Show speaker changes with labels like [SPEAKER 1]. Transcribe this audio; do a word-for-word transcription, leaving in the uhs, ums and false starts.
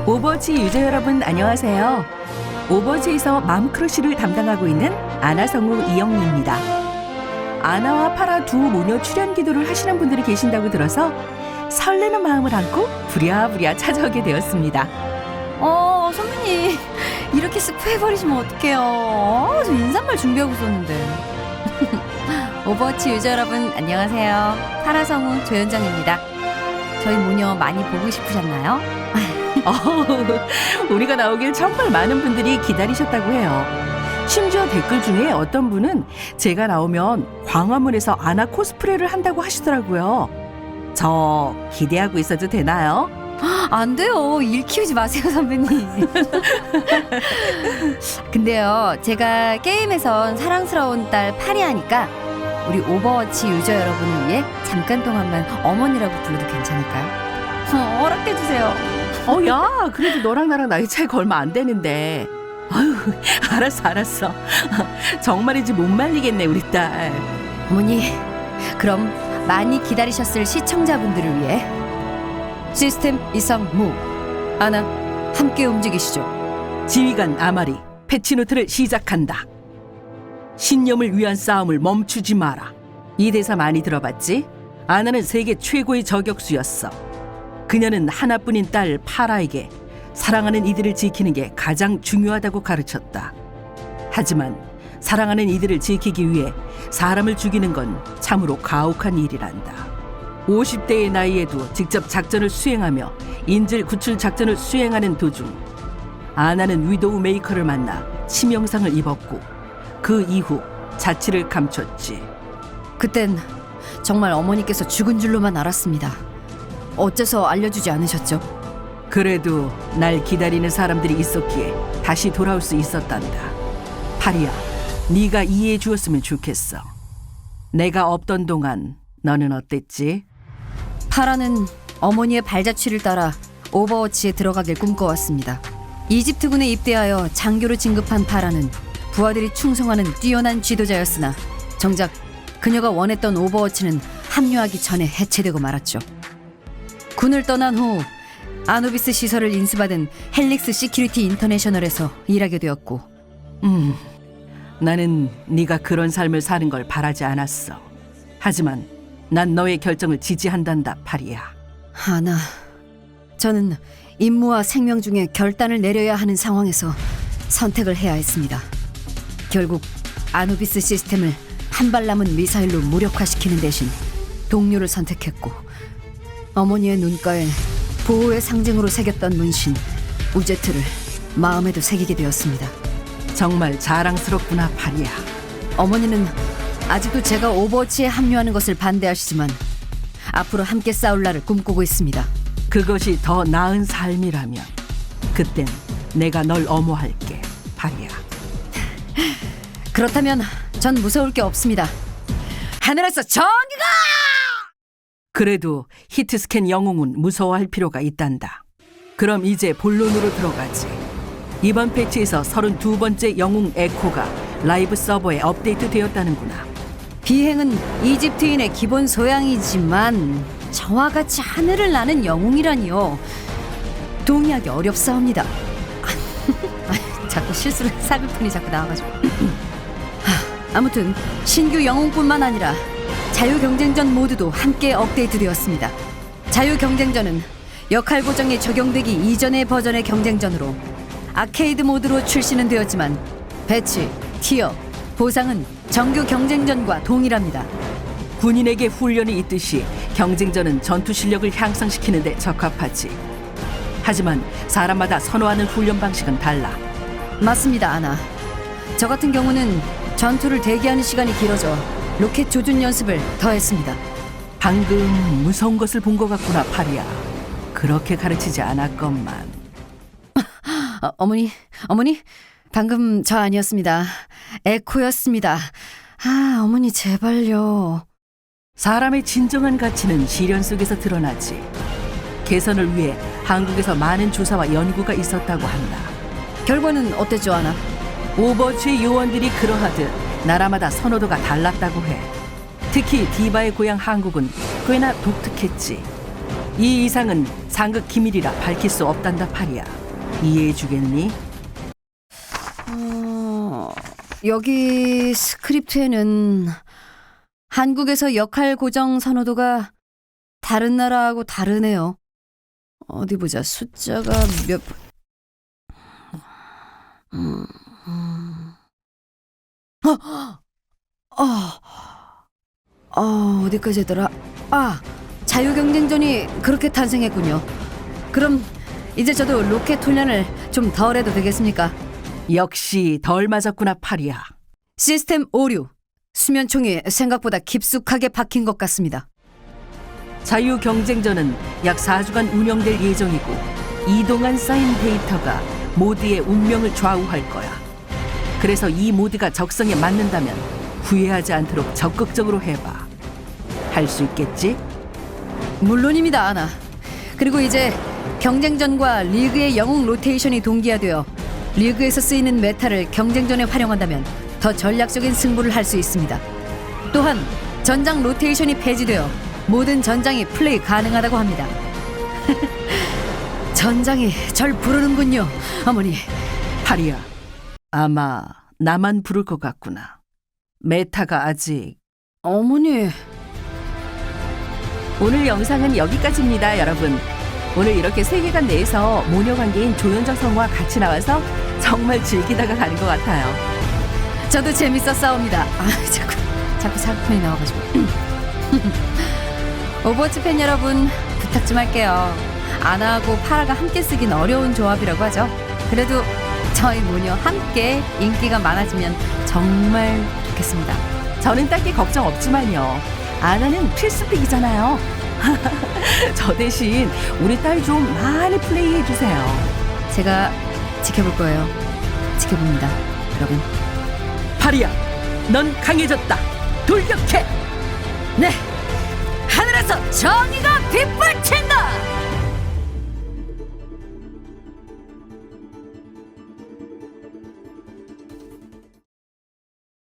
[SPEAKER 1] 오버워치 유저 여러분 안녕하세요. 오버워치에서 맘크러쉬를 담당하고 있는 아나성우 이영미입니다. 아나와 파라 두 모녀 출연 기도를 하시는 분들이 계신다고 들어서 설레는 마음을 안고 부랴부랴 찾아오게 되었습니다.
[SPEAKER 2] 어, 선배님 이렇게 스포해버리시면 어떡해요. 어, 저 인사말 준비하고 있었는데. 오버워치 유저 여러분 안녕하세요. 파라성우 조현정입니다. 저희 모녀 많이 보고 싶으셨나요?
[SPEAKER 1] 어, 우리가 나오길 정말 많은 분들이 기다리셨다고 해요. 심지어 댓글 중에 어떤 분은 제가 나오면 광화문에서 아나 코스프레를 한다고 하시더라고요. 저 기대하고 있어도 되나요?
[SPEAKER 2] 안 돼요. 일 키우지 마세요, 선배님. 근데요, 제가 게임에선 사랑스러운 딸 파리아니까 우리 오버워치 유저 여러분을 위해 잠깐 동안만 어머니라고 불러도 괜찮을까요? 어, 허락해주세요.
[SPEAKER 1] 어, 야, 그래도 너랑 나랑 나이 차이가 얼마 안 되는데. 아유, 알았어, 알았어. 정말이지 못 말리겠네, 우리 딸.
[SPEAKER 2] 어머니, 그럼 많이 기다리셨을 시청자분들을 위해 시스템 이상 무 아나 함께 움직이시죠.
[SPEAKER 1] 지휘관 아마리, 패치노트를 시작한다. 신념을 위한 싸움을 멈추지 마라. 이 대사 많이 들어봤지? 아나는 세계 최고의 저격수였어. 그녀는 하나뿐인 딸 파라에게 사랑하는 이들을 지키는 게 가장 중요하다고 가르쳤다. 하지만 사랑하는 이들을 지키기 위해 사람을 죽이는 건 참으로 가혹한 일이란다. 오십 대의 나이에도 직접 작전을 수행하며 인질 구출 작전을 수행하는 도중 아나는 위도우 메이커를 만나 치명상을 입었고 그 이후 자취를 감췄지.
[SPEAKER 2] 그땐 정말 어머니께서 죽은 줄로만 알았습니다. 어째서 알려주지 않으셨죠?
[SPEAKER 1] 그래도 날 기다리는 사람들이 있었기에 다시 돌아올 수 있었단다. 파리야, 네가 이해해 주었으면 좋겠어. 내가 없던 동안 너는 어땠지?
[SPEAKER 2] 파라는 어머니의 발자취를 따라 오버워치에 들어가길 꿈꿔왔습니다. 이집트군에 입대하여 장교로 진급한 파라는 부하들이 충성하는 뛰어난 지도자였으나 정작 그녀가 원했던 오버워치는 합류하기 전에 해체되고 말았죠. 군을 떠난 후 아누비스 시설을 인수받은 헬릭스 시큐리티 인터내셔널에서 일하게 되었고
[SPEAKER 1] 음, 나는 네가 그런 삶을 사는 걸 바라지 않았어. 하지만 난 너의 결정을 지지한단다, 파리야.
[SPEAKER 2] 아나, 저는 임무와 생명 중에 결단을 내려야 하는 상황에서 선택을 해야 했습니다. 결국 아누비스 시스템을 한 발 남은 미사일로 무력화시키는 대신 동료를 선택했고 어머니의 눈가에 보호의 상징으로 새겼던 문신 우제트를 마음에도 새기게 되었습니다.
[SPEAKER 1] 정말 자랑스럽구나, 파리야.
[SPEAKER 2] 어머니는 아직도 제가 오버워치에 합류하는 것을 반대하시지만 앞으로 함께 싸울 날을 꿈꾸고 있습니다.
[SPEAKER 1] 그것이 더 나은 삶이라면 그땐 내가 널 엄호할게, 파리야.
[SPEAKER 2] 그렇다면 전 무서울 게 없습니다. 하늘에서 전기가!
[SPEAKER 1] 그래도 히트스캔 영웅은 무서워할 필요가 있단다. 그럼 이제 본론으로 들어가지. 이번 패치에서 서른두 번째 영웅 에코가 라이브 서버에 업데이트 되었다는구나.
[SPEAKER 2] 비행은 이집트인의 기본 소양이지만 저와 같이 하늘을 나는 영웅이라니요. 동의하기 어렵사옵니다. 자꾸 실수를 사글픈이 자꾸 나와가지고. 하, 아무튼 신규 영웅뿐만 아니라 자유경쟁전 모두도 함께 업데이트되었습니다. 자유경쟁전은 역할 고정이 적용되기 이전의 버전의 경쟁전으로 아케이드 모드로 출시는 되었지만 배치, 티어, 보상은 정규 경쟁전과 동일합니다.
[SPEAKER 1] 군인에게 훈련이 있듯이 경쟁전은 전투 실력을 향상시키는 데 적합하지. 하지만 사람마다 선호하는 훈련 방식은 달라.
[SPEAKER 2] 맞습니다, 아나. 저 같은 경우는 전투를 대기하는 시간이 길어져 로켓 조준 연습을 더했습니다.
[SPEAKER 1] 방금 무서운 것을 본 것 같구나, 파리야. 그렇게 가르치지 않았건만.
[SPEAKER 2] 어, 어머니, 어머니, 방금 저 아니었습니다. 에코였습니다. 아, 어머니 제발요.
[SPEAKER 1] 사람의 진정한 가치는 시련 속에서 드러나지. 개선을 위해 한국에서 많은 조사와 연구가 있었다고 한다.
[SPEAKER 2] 결과는 어땠죠, 아나?
[SPEAKER 1] 오버워치의 요원들이 그러하듯 나라마다 선호도가 달랐다고 해. 특히 디바의 고향 한국은 꽤나 독특했지. 이 이상은 상급 기밀이라 밝힐 수 없단다 파리야. 이해해 주겠니?
[SPEAKER 2] 어, 여기 스크립트에는 한국에서 역할 고정 선호도가 다른 나라하고 다르네요. 어디 보자. 숫자가 몇... 음, 음. 어, 어, 어, 어디까지 했더라? 아, 자유경쟁전이 그렇게 탄생했군요. 그럼 이제 저도 로켓 훈련을 좀 덜 해도 되겠습니까?
[SPEAKER 1] 역시 덜 맞았구나 파리야.
[SPEAKER 2] 시스템 오류. 수면총이 생각보다 깊숙하게 박힌 것 같습니다.
[SPEAKER 1] 자유경쟁전은 약 사 주간 운영될 예정이고 이 동안 쌓인 데이터가 모드의 운명을 좌우할 거야. 그래서 이 모드가 적성에 맞는다면 후회하지 않도록 적극적으로 해봐. 할 수 있겠지?
[SPEAKER 2] 물론입니다, 아나. 그리고 이제 경쟁전과 리그의 영웅 로테이션이 동기화되어 리그에서 쓰이는 메타를 경쟁전에 활용한다면 더 전략적인 승부를 할 수 있습니다. 또한 전장 로테이션이 폐지되어 모든 전장이 플레이 가능하다고 합니다. 전장이 절 부르는군요, 어머니.
[SPEAKER 1] 파리야, 아마 나만 부를 것 같구나. 메타가 아직...
[SPEAKER 2] 어머니...
[SPEAKER 1] 오늘 영상은 여기까지입니다, 여러분. 오늘 이렇게 세계관 내에서 모녀관계인 조연정 성우와 같이 나와서 정말 즐기다가 가는 것 같아요.
[SPEAKER 2] 저도 재밌었사옵니다. 아, 자꾸 자꾸 사기꾼이 나와가지고. 오버워치 팬 여러분, 부탁 좀 할게요. 아나하고 파라가 함께 쓰긴 어려운 조합이라고 하죠. 그래도 저희 모녀 함께 인기가 많아지면 정말 좋겠습니다.
[SPEAKER 1] 저는 딱히 걱정 없지만요. 아나는 필수픽이잖아요. 저 대신 우리 딸 좀 많이 플레이해 주세요.
[SPEAKER 2] 제가 지켜볼 거예요. 지켜봅니다, 여러분.
[SPEAKER 1] 파리야, 넌 강해졌다. 돌격해.
[SPEAKER 2] 네, 하늘에서 정의가 빗불친다.